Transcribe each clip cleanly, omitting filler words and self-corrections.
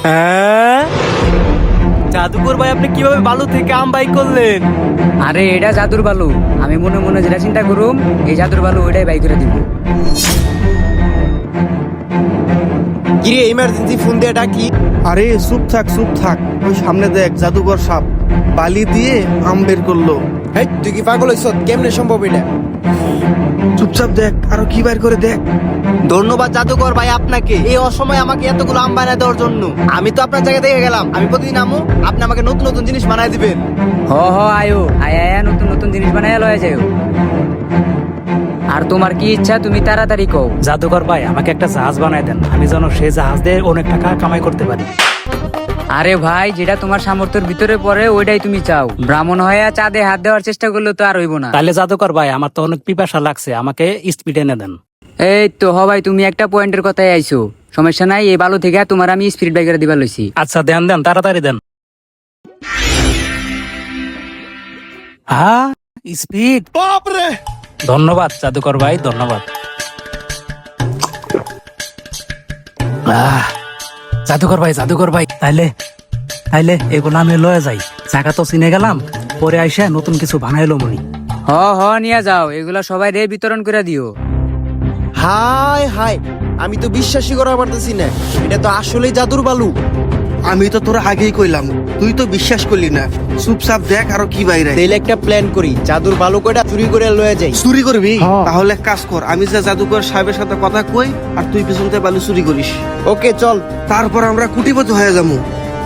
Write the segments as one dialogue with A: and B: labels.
A: হ্যাঁ, জাদুকর ভাই আপনি কিভাবে বালু থেকে আম বাই করলেন?
B: আরে এটা জাদুর বালু। আমি মনে মনে যেটা চিন্তা করুম এই জাদুর বালু ওইটাই বাই করে দিব।
A: কিরে ইমার্জেন্সি ফোন দিয়ে ডাকি?
C: আরে চুপ থাক, ওই সামনে দেখ জাদুঘর সাপ বালি দিয়ে আম বের করলো।
A: হেই তুই কি পাগল হইছ? কেমনে সম্ভব এটা?
C: চুপচাপ দেখ, আরো কি বের করে দেখ।
A: ধন্যবাদ জাদুকর ভাই আপনাকে এই অসময়ে আমাকে এতগুলো আম বানায় দেওয়ার জন্য। আমি তো আপনার জায়গা থেকে গেলাম, আমি প্রতিদিন আমু, আপনি আমাকে নতুন নতুন জিনিস বানায় দিবেন।
B: হ আয়ো আয়া নতুন নতুন জিনিস বানাইয়া লয়ে যাও। আর তোমার কি ইচ্ছা তুমি তাড়াতাড়ি কও।
D: জাদুকর ভাই আমাকে একটা জাহাজ বানায় দেন, আমি যেন সেই জাহাজ দিয়ে অনেক টাকা কামাই করতে পারি।
B: আরে ভাই যেটা তোমার সামর্থ্যের ভিতরে পড়ে ওইটাই তুমি চাও। ব্রাহ্মণ হয়ে চাঁদে হাত দেওয়ার চেষ্টা করলে তো আর হইব না।
D: তাহলে জাদুকর ভাই আমার তো অনেক পিপাসা লাগছে, আমাকে স্পিড এনে দেন।
B: এই তো ভাই তুমি একটা পয়েন্টের কথাই আইছো। সমস্যা নাই, এই বালু থেকে তোমার আমি স্পিরিট বাইক করে দিবার লইছি।
D: আচ্ছা দেন তাড়াতাড়ি দেন। হ্যাঁ, স্পিড।
C: বাপরে,
D: ধন্যবাদ জাদুকর ভাই, ধন্যবাদ। জাদুকর ভাই তাইলে এগুলো আমি লয়ে যাই। জায়গা তো চিনে গেলাম, পরে আইসা নতুন কিছু বানাইলো মনি।
B: হ নিয়ে যাও, এগুলা সবাই রে বিতরণ করে দিও।
A: হাই হাই, আমি তো বিশ্বাসই করা পারতেছি না, এটা তো আসলেই জাদুর বালু।
C: আমি তো তোরা আগেই কইলাম, তুই তো বিশ্বাস করলি না। চুপচাপ দেখ আরো কি বাইরে।
A: তাইলে একটা প্ল্যান করি, জাদুর বালু কয়টা চুরি করে লয়ে যাই।
C: চুরি করবি? তাহলে এক কাজ কর, আমি যে জাদুকর সাহেবের সাথে কথা কই আর তুই পিছন থেকে বালু চুরি করিস।
A: ওকে চল।
C: তারপর আমরা কোটিপতি হয়ে যাবো।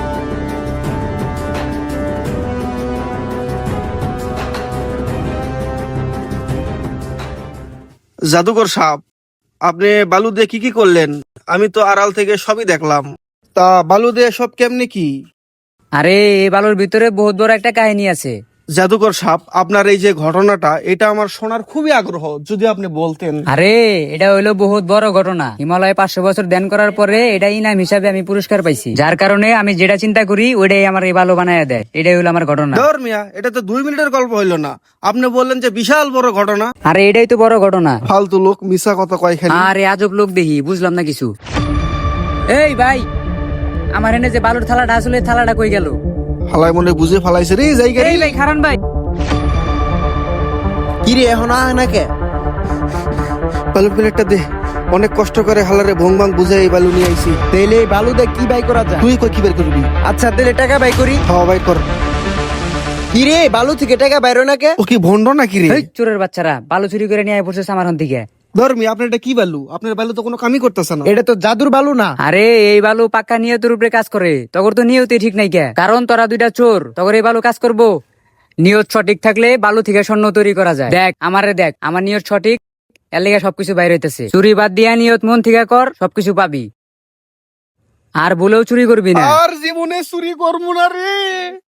C: জাদুকর সাহেব, আপনি বালু দিয়ে কি করলেন? আমি তো আড়াল থেকে সবই দেখলাম। তা বালু দিয়ে সব কেমনে কি?
B: আরে এই বালুর ভিতরে বহুত বড় একটা কাহিনী আছে।
C: জাদুকর সাহেব, আপনার এই যে ঘটনাটা, এটা আমার শোনার খুবই আগ্রহ, যদি আপনি বলতেন।
B: আরে এটা হইলো বহুত বড় ঘটনা। হিমালয়ে 500 বছর ধ্যান করার পরে এটা ইনাম হিসাবে আমি পুরস্কার পাইছি, যার কারণে আমি যেটা চিন্তা করি ওইটাই আমার এই বালু বানায় দেয়। এটাই হলো আমার ঘটনা।
C: ধর মিয়া, এটা তো 2 মিনিটের গল্প হইলো না, আপনি বললেন যে বিশাল বড় ঘটনা।
B: আরে এটাই তো বড় ঘটনা।
C: ফালতু লোক মিছা কথা কয় খালি।
B: আরে আজব লোক দেখি, বুঝলাম না কিছু। এই ভাই, আমার এনে যে বালুর থালাটা আসলে থালাটা কই গেল?
C: ফালাই মনে বুঝে ফালাইছে রে জায়গা।
B: এই ভাই খারান ভাই।
A: কিরে এখন আয় না কে?
C: বালুর প্লেটটা দে, অনেক কষ্ট করে হালারে ভং ভাং বুঝে এই বালু নিয়ে আইছি।
A: তাইলে এই বালু দিয়ে কি বাই করা যায়?
C: তুই কই কি বের করবি?
A: আচ্ছা তাহলে টাকা বাই করি।
C: হ্যাঁ ভাই কর।
A: কিরে বালু থেকে টাকা বাইরো না কে?
C: ও কি ভন্ড নাকি রে?
B: এই চোরের বাচ্চারা, বালু চুরি করে নিয়ে পড়ছে আমার হাত থেকে।
C: ধর্মি, আপনার এটা কি বালু? আপনার বালু তো কোনো কামই করতেছে না।
A: এটা তো জাদুর বালু না।
B: আরে এই বালু পাক্কা নিয়তের উপরে কাজ করে। তখন তো নিয়তই ঠিক নাই কে, কারণ তোরা দুইটা চোর, তখন এই বালু কাজ করবো। নিয়ত সঠিক থাকলে বালু থেকে স্বর্ণ তৈরি করা যায়। দেখ আমারে দেখ, আমার নিয়ত সঠিক, এর লেগে সবকিছু বাইরে হইতেছে। চুরি বাদ দিয়া নিয়ত মন থেকে কর, সবকিছু পাবি। আর ভুলেও চুরি করবি না।
C: আর জীবনে চুরি করবো না রে।